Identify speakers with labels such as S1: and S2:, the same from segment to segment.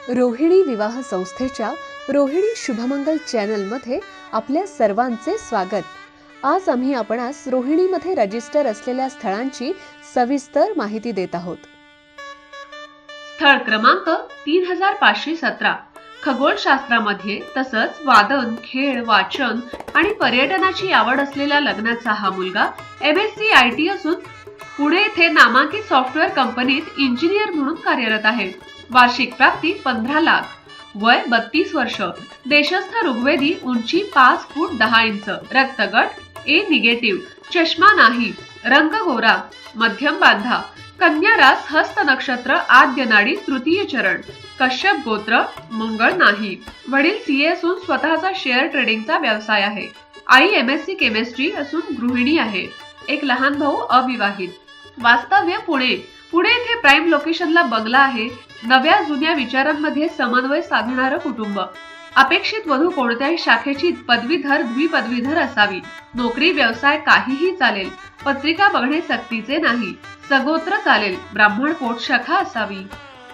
S1: रोहिणी विवाह संस्थेच्या रोहिणी शुभमंगल चॅनलमध्ये आपल्या सर्वांचे स्वागत। आज आम्ही आपणास रोहिणीमध्ये रजिस्टर असलेल्या स्थळांची सविस्तर माहिती देत आहोत।
S2: स्थळ क्रमांक 3517 खगोलशास्त्रामध्ये तसंच वादन, खेळ, वाचन आणि पर्यटनाची आवड असलेल्या लग्नाचा हा मुलगा MSc IT असून पुणे येथे नामांकित सॉफ्टवेअर कंपनीत इंजिनियर म्हणून कार्यरत आहे। वार्षिक प्राप्ती 15 लाख, वय 32 वर्ष, देशस्थ ऋग्वेदी, उंची 5 फूट 10 इंच, रक्तगट A निगेटिव्ह, चष्मा नाही, रंग गोरा, मध्यम बांधा, कन्या रास हस्त नक्षत्र आद्य नाडी तृतीय चरण, कश्यप गोत्र, मंगळ नाही, वडील CA असून स्वतःचा शेअर ट्रेडिंगचा व्यवसाय आहे। आई MSc केमिस्ट्री असून गृहिणी आहे। एक लहान भाऊ अविवाहित। वास्तव्य पुणे येथे प्राइम लोकेशनला बंगला आहे। नव्या जुन्या विचारांमध्ये समन्वय साधणारं कुटुंब। अपेक्षित वधू कोणत्याही शाखेची पदवीधर द्विपदवीधर असावी। नोकरी व्यवसाय काहीही चालेल। पत्रिका बघणे सक्तीचे नाही। सगोत्र चालेल। ब्राह्मण पोट शाखा असावी।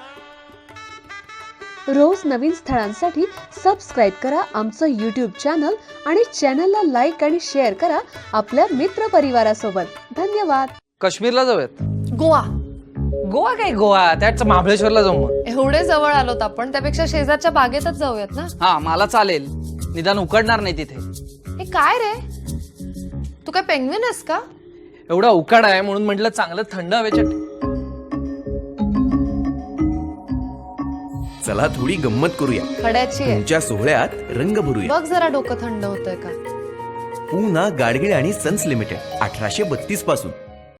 S1: रोज नवीन स्थळांसाठी सबस्क्राइब करा आमचं YouTube चॅनल आणि चॅनलला लाईक आणि शेअर करा आपल्या मित्र परिवारासोबत। धन्यवाद।
S3: काश्मीरला जाऊयात।
S4: गोवा
S3: गोवा काय गोवा, त्याच महाबळेश्वरला जाऊ मग।
S4: एवढे जवळ आलोत आपण, त्यापेक्षा शेजारच्या बागेतच जाऊयात ना।
S3: हा मला चालेल, निदान उकडणार नाही तिथे।
S4: हे काय रे, तू काय पेंग्विन आहेस का?
S3: एवढा उकाडा आहे म्हणून म्हटलं चांगलं थंड हवेच्या।
S5: चला थोडी गंमत करूया,
S4: खड्याची आहे।
S5: तुमच्या सोहळ्यात रंग भरूया।
S4: बघ जरा डोकं थंड होतंय का?
S5: पूना गाडगिळ आणि सन्स लिमिटेड 1832 पासून